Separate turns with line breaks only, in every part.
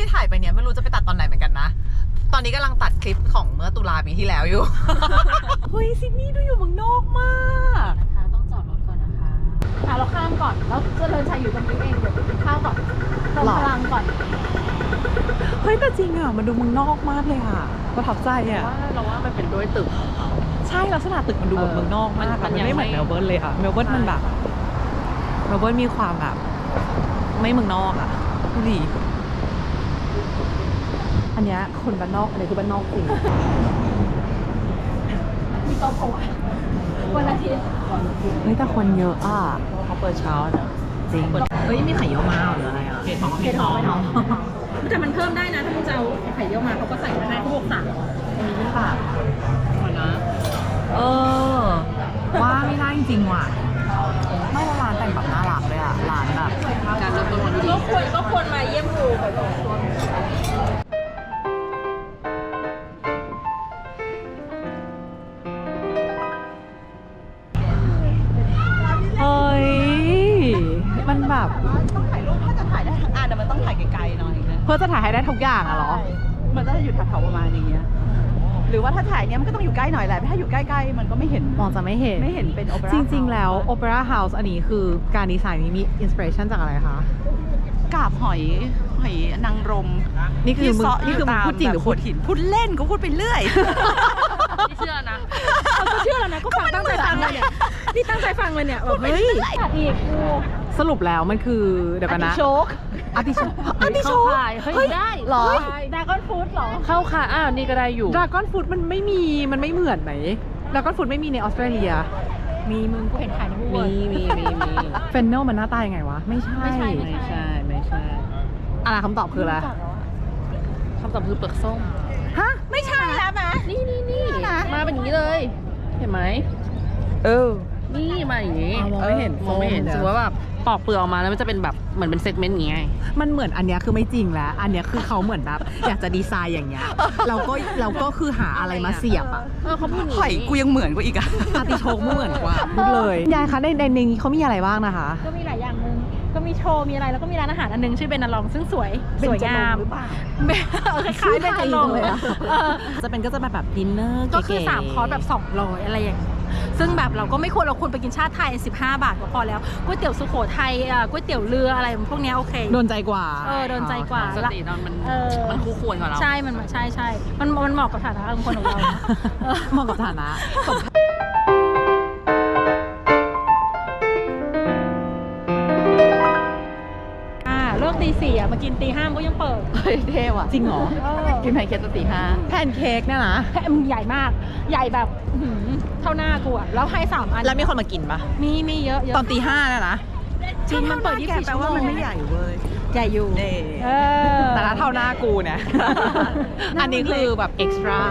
ที่ถ่ายไปเนี่ยไม่รู้จะไปตัดตอนไหนเหมือนกันนะตอนนี้กำลังตัดคลิปของเมื่อตุลาปีที่แล้วอยู่ เฮ้ยซิดนีย์ดูอยู่เมืองนอกมาก
นะคะต้องจอดรถก่อนนะคะเราข้ามก่อนแล้วเจริญชัยอยู่ตรงนี้เองเดี๋ยวไปกินข้าวก่อนลงพลังก่อน
เฮ้ยแต่จริงอ่ะมันดูเมืองนอกมากเลยค่ะประทับใจอ่ะ
เราว่ามันเป็นด้วยตึก
ใช่ลักษณะตึกมันดูแบบเมืองนอกมากมันไม่เหมือนเมลเบิร์นเลยค่ะเมลเบิร์นมันแบบเมลเบิร์นมีความแบบไม่เมืองนอกอ่ะดูดิอันเนี้ยคนบ้านนอกอันนี้คือบ้านนอกจริง
มีโต๊ะผัววันอาทิตย์
เฮ้ยแต่คนเยอะอ่ะ
เขาเปิดเช้าเนอะ
จริงเฮ้ยมีไข่เยอะมากหรืออะไรอ่ะ
เห็ดหอมแต่มันเพิ่มได้นะถ้าคุณจะเอาไข่เยอะมาเขาก็ใส่มาให้พวกสั่ง
อันนี้ค่ะหมดนะว่าไม่ได้จริงว่ะไม่ละร้านแต่งแบบน่ารักเลยอ่ะร้านแบบ
การเริ่มต้นวันดีก็ควรมาเยี่ยมดูแบบ
เฮ้ยมันแบบ
ต้องถ่ายรูปถ้าจะถ่ายได้ทั้งอันแต่มันต้องถ่ายไกลๆหน่อยนะ
เพื่อจะถ่ายให้ได้ทุกอย่างอะเหรอ
มันก็จะอยู่แถวๆประมาณอย่างเงี้ยหรือว่าถ้าถ่ายเนี้ยมันก็ต้องอยู่ใกล้หน่อยแหละถ้าอยู่ใกล้ๆมันก็ไม่เห็น
มองจะไม่เห็น
เป็นโอเปร่า
จริงๆแล้วโอเปร่าเฮาส์อันนี้คือการดีไซน์นี้มีอินสปิเรชันจากอะไรคะ
กาบหอยนางรม
นี่คือมึงพูดจริงหรือพูดหิน
พูดเล่นก็พูดไปเรื่อย
ไม่เชื่อนะก็เชื่อแล้วนะก็ฟังตั้งใจฟังเลยเนี่ยนี่ตั้งใจฟังเลยเนี่ยแบบเฮ้ยอีก
สรุปแล้วมันคือเดี๋ยวกันนะอาร์ติโชก
เฮ้ยได้
หรอ
ดราก้อนฟู้ดหรอเข้าค่ะนี่ก็ได้อยู่
ดราก้อนฟู้ดมันไม่เหมือนไหมดราก้อนฟู้ดไม่มีในออสเตรเลีย
มีมึงกูเห็นขายในบูธ
มีเฟนเนลมันหน้าตายังไงวะไม่ใช่อะไรคำตอบคืออะไร
คำตอบคือเปลือกส้ม
ฮะ
ไม่ใช่แล้วนะ
นี่มาเป็นอย่างนี้เลยเห็นไหมนี่มาอย่างนี้
มองไม่เห็น
สมมติว่าแบบปอกเปลือกออกมาแล้วมันจะเป็นแบบเหมือนเป็นเซกเมนต์อย่างไง
มันเหมือนอันเนี้ยคือไม่จริงแล้วอันเนี้ยคือเขาเหมือนแบบอยากจะดีไซน์อย่างเงี้ยเราก็คือหาอะไรมาเสียบอ่ะ
เขาพูด
หอยกูยังเหมือนกว่าอีกอ่ะ
อาร์ติโชกเหมือนกว่าพูดเลยยายคะในนี้เขามีอะไรบ้างนะคะ
ก็มีหลายอย่างนึงก็มีโชว์มีอะไรแล้วก็มีร้านอาหารอันนึงชื่อเบนนาลองซึ่งสวยงาม
หรือเปล่า
คล้ายเบนจรงเลย
ก็จะแบบดินเนอร์
ก็คือ3คอร์สแบบ200อะไรอย่างซึ่งแบบเราก็ไม่ควรเราควรไปกินชาติไทย15 บาทก็พอแล้วก๋วยเตี๋ยวสุโขทัยก๋วยเตี๋ยวเรืออะไรพวกนี้โอเค
โดนใจกว่า
โดนใจกว่า
สติมันคู่ควรกับเรา
ใช่มันใช่มันเหมาะกับฐานะคนของเรา
เหมาะกับฐานะ
เลิกตี 4มากินตี 5ก็ยังเปิด
เท่ว่ะ
จริงเหรอ
กินแพนเค้กตอนตี 5
แพนเค้กเนี่ยนะ
มึงใหญ่มากใหญ่แบบเท่าหน้ากูอะแล้วให้3 อัน
แล้วมีคนมากินปะ
มีเยอะ
ตอนตี 5น่ะนะ
จริงมันเปิด24 ชั่วโมง
แปลว่ามันไม่ใหญ่เว้ย
ใหญ่อยู่
แต่ละเท่าหน้ากูเนี่ยอันนี้คือแบบเอ็กซ์ตร้า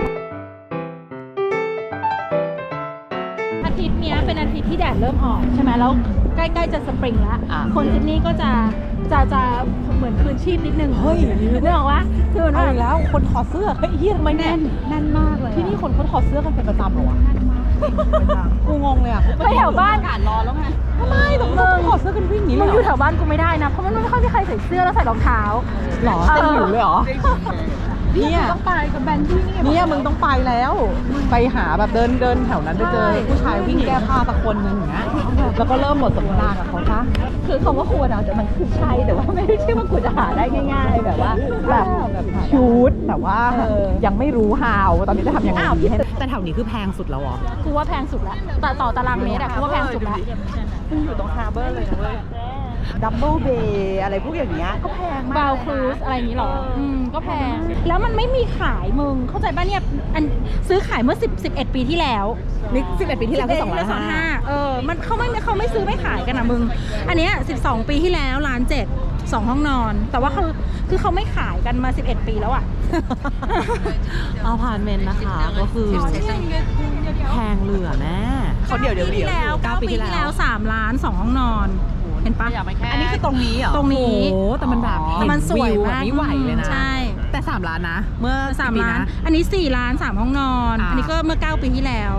อาทิตย์นี้เป็นอาทิตย์ที่แดดเริ่มออกใช่ไหมแล้วใกล้ๆจะสปริงแล้วคนซิดนีย์ก็จะเหมือนคืนชีพนิดนึง
เฮ้ย
นึกออกว่า
คือมันเอาแล้วคนถอดเสื้อเฮ้ยทำไมแ
น่นมากเลย
ที่นี่คนเขาถอดเสื้อกันเป็นประจำเหรอวะกูงงเลยอ่ะ
ไปแถวบ้าน
อากาศร้อนแล้วไง
ทำไมต้องถอดเสื้อกันวิ่งนี้เลย
อยู่แถวบ้านกูไม่ได้นะเพราะมันไม่ค่อยมีใครใส่เสื้อแล้วใส่รองเท้า
หรอเต็มอยู่เลยหรอ
เนี่ยต้องไปกับแบนที่
นี่มึงต้องไปแล้วไปหาแบบเดินแถวนั้นไปเจอผู้ชายวิ่งแก้ผ้าสักคนนึงอย่างเงี้ยแล้วก็เริ่มบทสนทนากับเขาซะ
คือคำว่าควรแต่มันคือใช่แต่ว่าไม่ได้ใช่ว่ากูจะหาได้ง่ายๆแบบว่า
แบบชุดแต่ว่ายังไม่รู้ how ตอนนี้จะทำยังไงดีแต่แถวนี้คือแพงสุดแล้วเหรอ
กูว่าแพงสุดแล้วต่อตารางเมตรกูว่าแพงสุดแล้ว
อยู่ตรงฮาร์เบอร์เลยนะเว้ยดับเบิลเบย์อะไรพวกอย่างเงี้ยก็แพงมาก
บาวครูซอะไรอย่างนี้หรอก็แพงแล้วมันไม่มีขายมึงเข้าใจป่ะเนี่ยซื้อขายเมื่อ11 ปีที่แล้ว
นี่11 ปีที่แล้วคือ
205มันเขาไม่ซื้อไม่ขายกันนะมึงอันเนี้ย12 ปีที่แล้ว1,700,000 2 ห้องนอนแต่ว่าคือเขาไม่ขายกันมา11 ปีแล้วอ่ะ
อพาร์ตเมนต์นะคะก็คือแพงเหลือแม่
เขาเดี๋ยว
9 ปีที่แล้ว3 ล้าน 2 ห้องนอนเห็นปะ
อันนี้คือตรงนี้เหรอ
ตรงนี้
โอ้แต่มันแบบ
มันสวยมาก
ไม่ไหวเลยนะ
ใช่
แต่3 ล้านนะเมื่อ
3 ล้านอันนี้4 ล้าน 3 ห้องนอนอันนี้ก็เมื่อ9 ปีที่แล้ว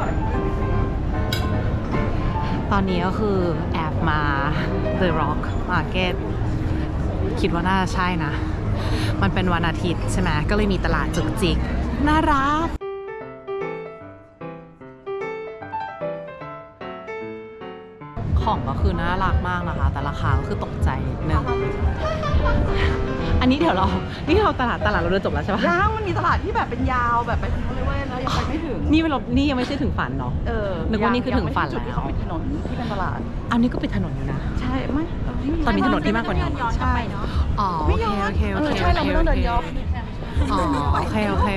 ตอนนี้ก็คือแอบมา The Rock Market คิดว่าน่าใช่นะมันเป็นวันอาทิตย์ใช่ไหมก็เลยมีตลาดจุกจิกน่ารักของก็คือน่ารักมากนะคะแต่ราคาก็คือตกใจนิดนึงอันนี้เดี๋ยวนี่เราตลาดเราเดินจบแล้วใช่ปะ
ยังมันมีตลาดที่แบบเป็นยาวแบบไปถึงเลยเว้ยแล้วยังไปไม่ถึง
นี่ยังไม่ใช่ถึงฝันเนาะ นึกว่านี่คือถึงฝัน
จุดที่เขาปิดถนนที่เป็นตลาด
อันนี้ก็ปิดถนนอยู่นะ
ใช่ไหม
ตอนมีถนนที่มากกว่านี้
ใช่
อ๋อโอ
ไม่
เค
ย้อน
โอเคโอเค
ใช่เราไม่ต้องเดินย้อน
อ๋อโอเค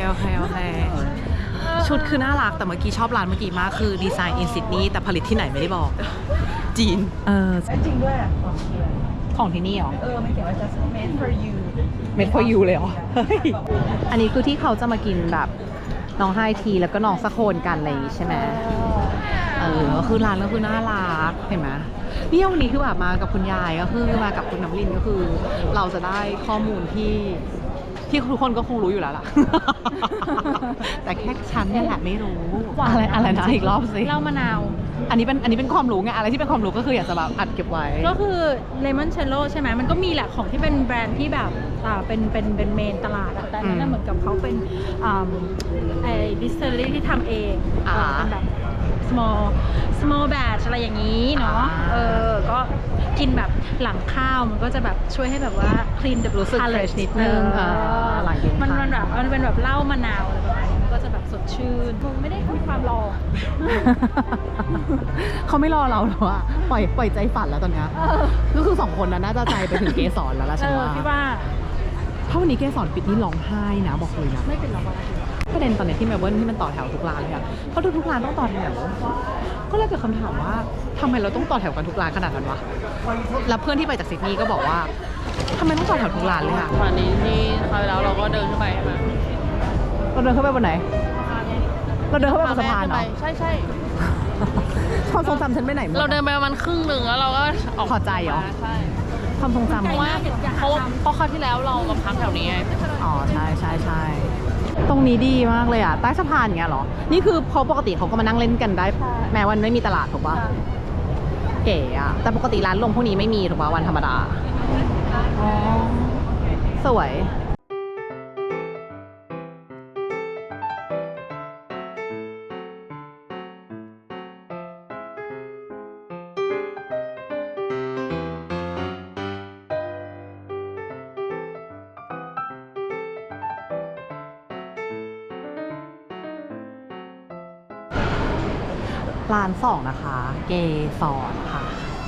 ชุดคือน่ารักแต่เมื่อกี้ชอบร้านเมื่อกี้มากคือดีไซน์อินซิดนีย์แต่ผลิตที่ไหนไม่ได้บอก จีน
จริงด้วย
ของที่นี่เหรอ
ไม่เขียนว่า just made for you
Made for you เลยเหรอ เฮ้ย อันนี้คือที่เขาจะมากินแบบน้องไฮทีแล้วก็น้องสะโคนกันอะไรอย่างงี้ใช่ไหมก็คือร้านก็คือน่ารักเห็นไหมนี่วันนี้คือแบบมากับคุณยายก็คือมากับคุณน้ำลินก็คือเราจะได้ข้อมูลที่ทุกคนก็คงรู้อยู่แล้วล่ะ แต่แค่ฉันเนี่ยแหละไม่รู้อะไรนะอีกรอบสิ
เหล้ามะนาว
อันนี้เป็นความรู้ไงอะไรที่เป็นความรู้ก็คืออยากจะแบบอัดเก็บไว้
ก็คือเลมอนเชลโล่ใช่ไหมมันก็มีแหละของที่เป็นแบรนด์ที่แบบเป็นเมนตลาดอะแต่อันนั้นนะเหมือนกับเขาเป็นไอ้ดิสเทอรี่ที่ทำเองเป็นแบบ small batch อะไรอย่างนี้เนาะก็กินแบบหลังข้าวมันก็จะแบบช่วยให้แบบว่า clean the
รู้สึก fresh นิดนึงหลังกิน
มันแบบมันเป็นแบบเหล้ามะนาวอะไรประมาณนี้มันก็จะแบบสดชื่นมึงไม่ได้มีความรอ
เขาไม่รอเราหรอกอะปล่อยใจฝันแล้วตอนเนี้ยก็คือ2คนนั้นน่าจะใจไปถึงเกสรแล้วล่ะฉันว่า
พี่ว่า
ถ้าวันนี้เกสรปิดนี่ร้องไห้นะบอกเลยนะ
ไม่เป็นหรอก
ประเด็นตอนนี้ที่เมลเบิร์นที่มันต่อแถวทุกร้านเลยอะเพราะทุกร้านต้องต่อแถวก็เลยเกิดคำถามว่าทำไมเราต้องต่อแถวกันทุกร้านขนาดนั้นวะแล้วเพื่อนที่ไปจากซิดนีย์ก็บอกว่าทำไมต้องต่อแถวทุกร้านเลยอะ
วันนี้ที่คราวที่แล้วเราก็เดินขึ้นไปใช่ไหม
เราเดินเข้าไปบนไหนเราเดินเข้าไปบนสะพาน
ขึ้
เหรอ
ใช่
ความทรงจำฉันไปไหนหมด
เราเดินไปประมาณครึ่งหนึ่งแล้วเราก็ออก
พอใจเหรอ
ใช่
ความทรงจำ
เพราะว่าเพราะคราวที่แล้วเรามาพักแถวนี้ไง
อ๋อใช่ตรงนี้ดีมากเลยอ่ะใต้สะพานอย่างเงี้ยเหรอนี่คือเพราะปกติเขาก็มานั่งเล่นกันได้ แม้วันไม่มีตลาดถูกปะเก๋อ่ะแต่ปกติร้านลงพวกนี้ไม่มีถูกปะวันธรรมดาอ๋อสวยร้าน2นะคะ เกสรค่ะ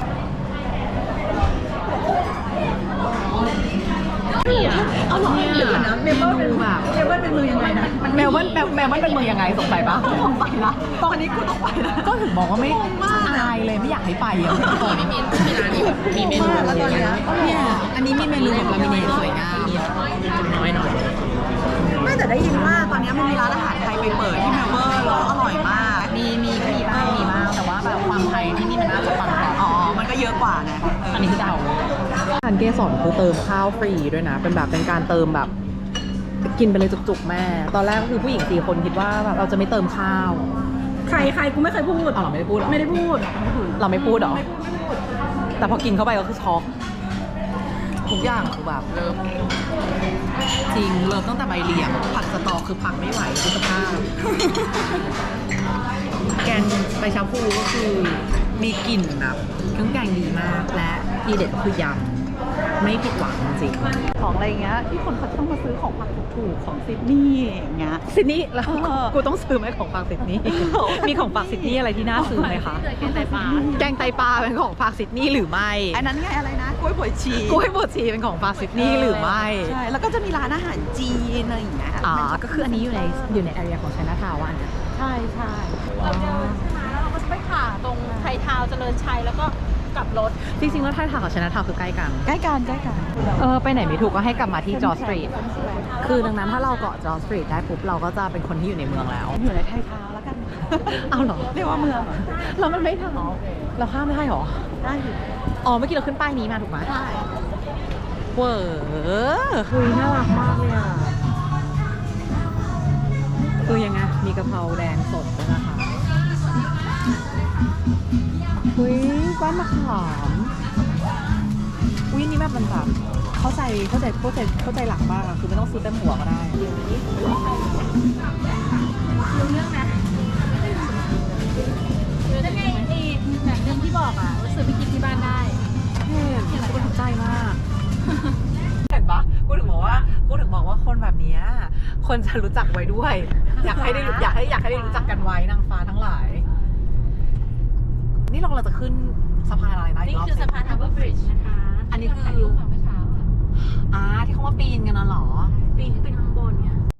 เอาหรอเดี๋ยวนะเมลเบิร์นเป็นแบบเมลเบิร์นเป็นเมืองยังไงนะเมลเบิร์นเป็นเมืองยังไงสงสัยปะต้องไปละตอนนี้กูต้องไปละก็ถึงบอกว่าไม่อายเลยไม่อยากให้ไปอ่ะ
มีร้านนี้แบบมีเมนู
แล้วตอนนี้
เนี่ยอันนี้มีเมนูแบบลามิเนตสวยงาม
น้อยหน่อย
ไม่แต่ได้ยินว่าตอนนี้มันมีร้านอาหารไทยไปเปิดที่เมลเบิร์นแล้วอร่อยมาก
มีบ้างแต่ว่าแบบความไทยที่นี่มันน่าจะปังกว่า
มันก็เยอะกว่าไง
อันนี้คือเดาร้านเกสรคือเติมข้าวฟรีด้วยนะเป็นแบบเป็นการเติมแบบกินไปเลยจุกๆแม่ตอนแรกก็คือผู้หญิง4 คนคิดว่าแบบเราจะไม่เติมข้าว
ใครกูไม่เคยพูด
อ๋อเราไม่ได้พูดเหรอ
ไม่ได้พูด
เราไม่พูดเหรอแต่พอกินเข้าไปก็คือช็อกทุกอย่างคือแบบจริงเริ่มตั้งแต่ใบเลี้ยงผักสตอคือผักไม่ไหวคือสภาพแกงใบชาพูก็คือมีกลิ่นแบบเครื่องแกงดีมากและทีเด็ดคือยำไม่ผิดหวังจริง
ของอะไรเงี้ยที่คนเขาต้องมาซื้อของผักถูกๆของซิดนีย์อย่างเงี้ย
ซิดนีย์แล้วกูต้องซื้อไหมของฝากซิดนีย์มีของฝากซิดนีย์อะไรที่น่าซื้อไหมคะแกงไตปลาเป็นของฝากซิดนีย์หรือไม่
อันนั้นไงอะไรนะกล้วยบวยชี
กล้วยบดชีเป็นของฝากซิดนีย์หรือไม่
ใช่แล้วก็จะมีร้านอาหารจีนอะไรอย่างเงี้ย
ก็คืออันนี้อยู่ในแอเรียของไชน่าทาวน์อันนี้
ใช่เราเดินใช่ไหมแล้วเราก็จะไปผ่าตรงไทยทาวน์เจริญชัยแล้วก็กลับรถ
จริงๆแล้วไทยทาวน์กับไชน่าทาวน์คือใกล้กัน
ใกล้กันใกล้กัน
ไปไหนไม่ถูกก็ให้กลับมาที่จอร์จสตรีทคือดังนั้นถ้าเราเกาะจอร์จสตรีทได้ปุ๊บเราก็จะเป็นคนที่อยู่ในเมืองแล้ว
อยู่ในไทยทาวน์แล้วกัน
เอาเหรอ
เรียกว่าเมืองเหรอ
เรามันไม่ทางเราข้ามไม่ได้หรอ
ได้อยู่
อ๋อเมื่อกี้เราขึ้นป้ายนี้มาถูกไหม
ใช่
เวอคุยน่ารักมากเลยอ่ะคือยังไงมีกะเพราแดงสดด้วยนะคะบ้านมะขามอุ้ยนี่แม่เป็นแบบเข้าใจหลักมากอะคือไม่ต้องซื้อเต็มหัวก็ได้
รู้เรื่องนะแล้วไงนี่แบบเรื่องที่บอกอ่ะว่าซื้อไปกินที่บ้านได้
เห็นกูถูกใจมาก เห็นปะกูถึงบอกว่าคนแบบเนี้ยคนจะรู้จักไว้ด้วย อยากให้ได้รู้จักกันไว้นางฟ้าทั้งหลาย นี่เราจะขึ้นสะพานอะไรนะ
นี่คือสะพาน Harbour Bridge นะคะ
อันนี้คือ
ถ่ายรูปเมื่อเช้า
ที่เขามาปีนกันนะเหรอ
ปีนขึ้นไปข้างบนไง